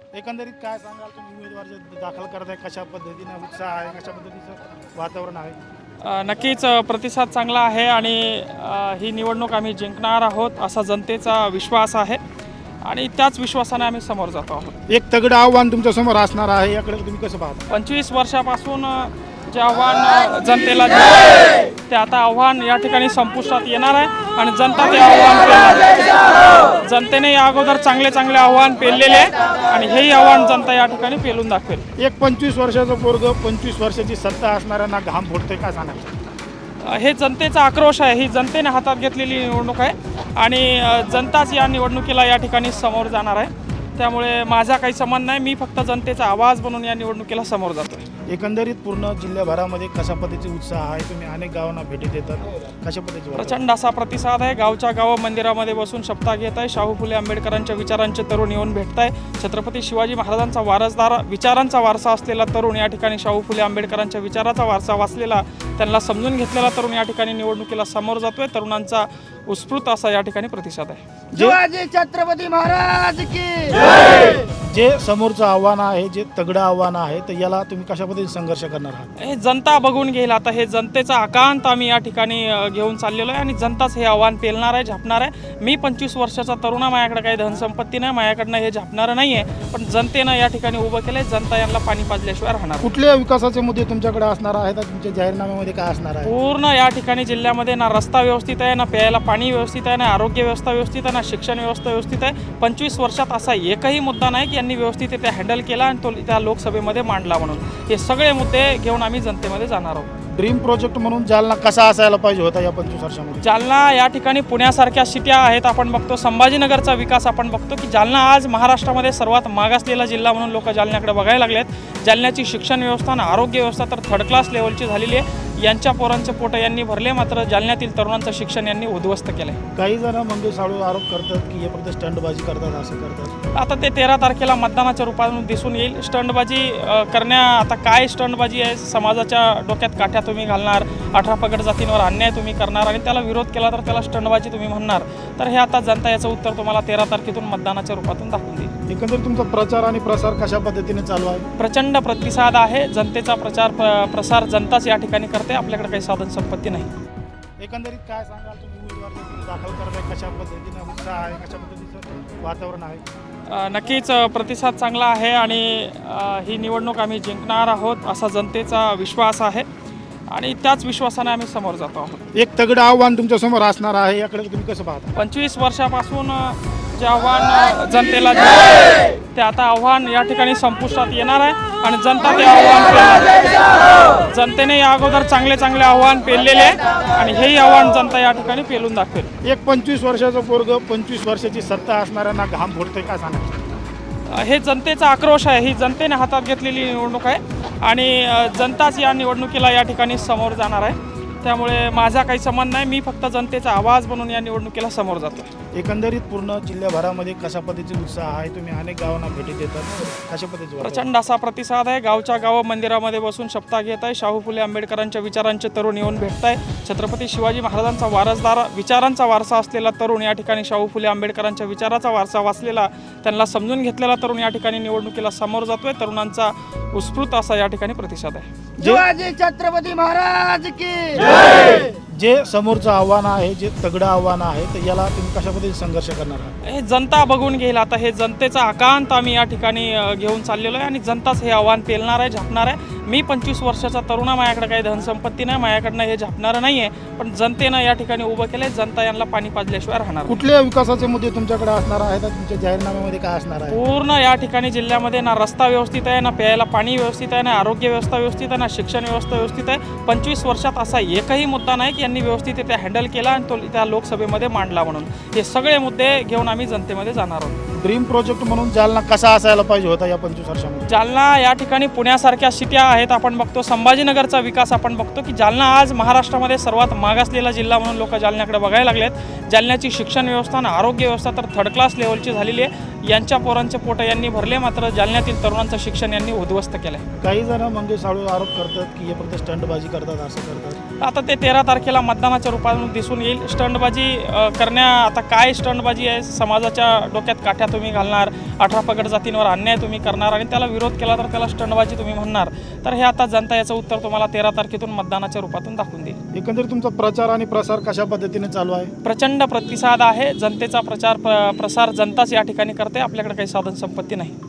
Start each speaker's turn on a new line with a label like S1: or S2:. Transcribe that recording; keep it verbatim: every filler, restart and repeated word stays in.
S1: एकंदरीत काय सांगाल तुम्ही उमेदवार जे दाखल करताय कशा पद्धतीने उत्साह आहे कशा पद्धतीचं वातावरण आहे?
S2: अ, नक्कीच अ, प्रतिसाद चांगला आहे आणि अ, ही निवडणूक आम्ही जिंकणार आहोत असा जनतेचा विश्वास आहे आणि त्याच विश्वासाने आम्ही समोर जातो आहोत.
S1: एक तगडं आव्हान तुमच्या समोर असणार आहे, याकडे तुम्ही कसं पाहता?
S2: पंचवीस वर्षापासून अ, जे आव्हान अ, जनतेला दिलं आहे, ते आता आव्हान या ठिकाणी संपुष्टात येणार आहे आणि जनता ते आव्हान पेलणार. जनतेने या अगोदर चांगले चांगले आव्हान पेललेले आहे आणि हेही आव्हान जनता या ठिकाणी पेलून दाखवेल.
S1: एक पंचवीस वर्षाचं पोरग पंचवीस वर्षाची सत्ता असणाऱ्यांना घाम फुटते, काय सांगायचं?
S2: हे जनतेचा आक्रोश आहे, ही जनतेने हातात घेतलेली निवडणूक आहे आणि अ, जनताच या निवडणुकीला या ठिकाणी समोर जाणार आहे. त्यामुळे माझा काही संबंध नाही, मी फक्त जनतेचा आवाज बनून या निवडणुकीला समोर जातो.
S1: एकंदरीत पूर्ण जिल्ह्याभरामध्ये कशा पद्धतीचा उत्साह आहे? तुम्ही अनेक गावांना भेटी देतात, कशा पद्धतीचे वातावरण?
S2: प्रचंड असा प्रतिसाद आहे. गावच्या गावं मंदिरामध्ये बसून शपथा घेत आहे. शाहू फुले आंबेडकरांच्या विचारांचे तरुण येऊन भेटत आहे. छत्रपती शिवाजी महाराजांचा वारसदार विचारांचा वारसा असलेला तरुण या ठिकाणी शाहू फुले आंबेडकरांच्या विचाराचा वारसा वाचलेला, त्यांना समजून घेतलेला तरुण या ठिकाणी निवडणुकीला समोर जातोय. तरुणांचा उत्स्फूर्त असा या ठिकाणी प्रतिसाद आहे.
S3: शिवाजी छत्रपती महाराज की
S1: जे समोरचं आव्हान आहे, जे तगडं आव्हान आहे, तर याला तुम्ही कशा पद्धतीने संघर्ष करणार आहात?
S2: हे जनता बघून घेईल. आता हे जनतेचा आकांत आम्ही या ठिकाणी अ, घेऊन चाललेलो आहे आणि जनताच हे आव्हान पेलणार आहे, झापणार आहे. मी पंचवीस वर्षाचा तरुण आहे, माझ्याकडे काही धनसंपत्ती नाही, माझ्याकडनं हे झापणारं नाही आहे, पण जनतेनं या ठिकाणी उभं केलं आहे. जनता यांना पाणी पाजल्याशिवाय राहणार नाही.
S1: कुठल्या विकासाचे मुद्दे तुमच्याकडे असणार आहेत? तुमच्या जाहीरनाम्यामध्ये काय असणार आहे?
S2: पूर्ण या ठिकाणी जिल्ह्यामध्ये ना रस्ता व्यवस्थित आहे, ना प्यायला पाणी व्यवस्थित आहे, ना आरोग्य व्यवस्था व्यवस्थित आहे, ना शिक्षण व्यवस्था व्यवस्थित आहे. पंचवीस वर्षात असा एकही मुद्दा नाही की यांनी व्यवस्थित ते हँडल केला आणि तो त्या लोकसभेमध्ये मांडला म्हणून. हे सगळे मुद्दे घेऊन आम्ही जनतेमध्ये जाणार आहोत.
S1: ड्रीम प्रोजेक्ट म्हणून जालना कसा असायला पाहिजे होता या पंचवीस वर्षामध्ये?
S2: जालना या ठिकाणी पुण्यासारख्या सिट्या आहेत, आपण बघतो संभाजीनगरचा विकास आपण बघतो की जालना आज महाराष्ट्रामध्ये सर्वात मागासलेला जिल्हा म्हणून लोक जालन्याकडे बघायला लागलेत. जालन्याची शिक्षण व्यवस्था आणि आरोग्य व्यवस्था तर थर्ड क्लास लेवलची झालेली आहे. यांच्या पोरांचे पोटं यांनी भरले, मात्र जालन्यातील तरुणांचं शिक्षण यांनी उद्ध्वस्त केलं आहे.
S1: काही जण मंगेश साळू आरोप करतात की हे फक्त स्टंटबाजी करतात, असं करतात.
S2: आता ते तेरा तारखेला मतदानाच्या रूपातून दिसून येईल. स्टंटबाजी अ, करण्या आता काय स्टंटबाजी आहे? समाजाच्या डोक्यात काठ्या तुम्ही घालणार, अठरा पगड जातींवर अन्याय तुम्ही करणार आणि त्याला विरोध केला तर त्याला स्टंटबाजी तुम्ही म्हणणार. तर हे आता जनता याचं उत्तर तुम्हाला तेरा तारखेतून मतदानाच्या रूपातून दाखवून देईल.
S1: एकंदरीत तुमचा प्रचार आणि प्रसार कशा पद्धतीने चालू आहे?
S2: प्रचंड प्रतिसाद आहे. जनतेचा प्रचार प्र प्रसार जनताच या ठिकाणी करते, आपल्याकडे काही साधन संपत्ती नाही.
S1: एकंदरीत काय सांगाल तुम्ही उमेदवार जे दाखल करताय कशा पद्धतीने उत्साह आहे, कशा पद्धतीचं वातावरण आहे?
S2: अ, नक्कीच अ, प्रतिसाद चांगला आहे आणि अ, ही निवडणूक आम्ही जिंकणार आहोत असा जनतेचा विश्वास आहे आणि त्याच विश्वासाने आम्ही समोर जातो आहोत.
S1: एक तगडं आव्हान तुमच्या समोर असणार आहे, याकडे तुम्ही कसं पाहता?
S2: पंचवीस वर्षापासून अ, जे आव्हान अ, जनतेला दिलं आहे, ते आता आव्हान या ठिकाणी संपुष्टात येणार आहे आणि जनता ते आव्हान पेलणार. जनतेने या अगोदर चांगले चांगले आव्हान पेललेले आहे आणि हेही आव्हान जनता या ठिकाणी पेलून दाखवेल.
S1: एक पंचवीस वर्षाचं पोरग पंचवीस वर्षाची सत्ता असणाऱ्यांना घाम फुटते, काय सांगायचं?
S2: हे जनतेचा आक्रोश आहे, ही जनतेने हातात घेतलेली निवडणूक आहे आणि अ, जनताच या निवडणुकीला या ठिकाणी समोर जाणार आहे. त्यामुळे माझा काही संबंध नाही, मी फक्त जनतेचा आवाज बनून या निवडणुकीला समोर जातो.
S1: एकंदरीत पूर्ण जिल्ह्याभरामध्ये कशा पद्धतीचा उत्साह आहे? तुम्ही अनेक गावांना भेटी देतात, कशा पद्धतीचे वातावरण?
S2: प्रचंड असा प्रतिसाद आहे. गावच्या गावं मंदिरामध्ये बसून शपथा घेत आहे. शाहू फुले आंबेडकरांच्या विचारांचे तरुण येऊन भेटत आहे. छत्रपती शिवाजी महाराजांचा वारसदार विचारांचा वारसा असलेला तरुण या ठिकाणी शाहू फुले आंबेडकरांच्या विचाराचा वारसा वाचलेला, त्यांना समजून घेतलेला तरुण या ठिकाणी निवडणुकीला समोर जातोय. तरुणांचा उत्स्फूर्त असा या ठिकाणी प्रतिसाद आहे.
S3: शिवाजी छत्रपती महाराज की
S1: जे समोरचं आव्हान आहे, जे तगडं आव्हान आहे, तर याला तुम्ही कशा पद्धतीने संघर्ष करणार आहात?
S2: हे जनता बघून घेईल. आता हे जनतेचा आकांत आम्ही या ठिकाणी अ, घेऊन चाललेलो आहे आणि जनताच हे आव्हान पेलणार आहे, झापणार आहे. मी पंचवीस वर्षाचा तरुण आहे, माझ्याकडे काही धनसंपत्ती नाही, माझ्याकडनं हे झापणारं नाही आहे, पण जनतेनं या ठिकाणी उभं केलं आहे. जनता यांना पाणी पाजल्याशिवाय राहणार नाही.
S1: कुठल्या विकासाचे मुद्दे तुमच्याकडे असणार आहेत? तुमच्या जाहीरनाम्यामध्ये काय असणार आहे?
S2: पूर्ण या ठिकाणी जिल्ह्यामध्ये ना रस्ता व्यवस्थित आहे, ना प्यायला पाणी व्यवस्थित आहे, ना आरोग्य व्यवस्था व्यवस्थित आहे, ना शिक्षण व्यवस्था व्यवस्थित आहे. पंचवीस वर्षात असा एकही मुद्दा नाही की यांनी व्यवस्थित ते हँडल केला आणि तो त्या लोकसभेमध्ये मांडला म्हणून. हे सगळे मुद्दे घेऊन आम्ही जनतेमध्ये जाणार आहोत.
S1: ड्रीम प्रोजेक्ट म्हणून जालना कसा असायला पाहिजे होता या पंचवीस वर्षामध्ये?
S2: जालना या ठिकाणी पुण्यासारख्या सिट्या आहेत, आपण बघतो संभाजीनगरचा विकास आपण बघतो की जालना आज महाराष्ट्रामध्ये सर्वात मागासलेला जिल्हा म्हणून लोक जालन्याकडे बघायला लागलेत. जालन्याची शिक्षण व्यवस्था आणि आरोग्य व्यवस्था तर थर्ड क्लास लेवलची झालेली आहे. यांच्या पोरांचे पोटं यांनी भरले, मात्र जालन्यातील तरुणांचं शिक्षण यांनी उद्ध्वस्त केलं आहे.
S1: काही जण मंगेश साळवे आरोप करतात की हे फक्त स्टंटबाजी करतात, असं करतात.
S2: आता ते तेरा तारखेला मतदानाच्या रूपातून दिसून येईल. स्टंटबाजी अ, करण्या आता काय स्टंटबाजी आहे, समाजाच्या डोक्यात काठ्या तुम्ही घालणार, अठरा पगड जातींवर अन्याय तुम्ही करणार आणि त्याला विरोध केला तर त्याला स्टंटबाजी तुम्ही म्हणणार, तर हे आता जनता याचं उत्तर तुम्हाला तेरा तारखेतून मतदानाच्या रूपातून दाखवून देईल.
S1: एकंदरीत तुमचा प्रचार आणि प्रसार कशा पद्धतीने चालू आहे?
S2: प्रचंड प्रतिसाद आहे. जनतेचा प्रचार प्र प्रसार जनताच या ठिकाणी करते. आपल्याकडे काही साधन संपत्ती नाही.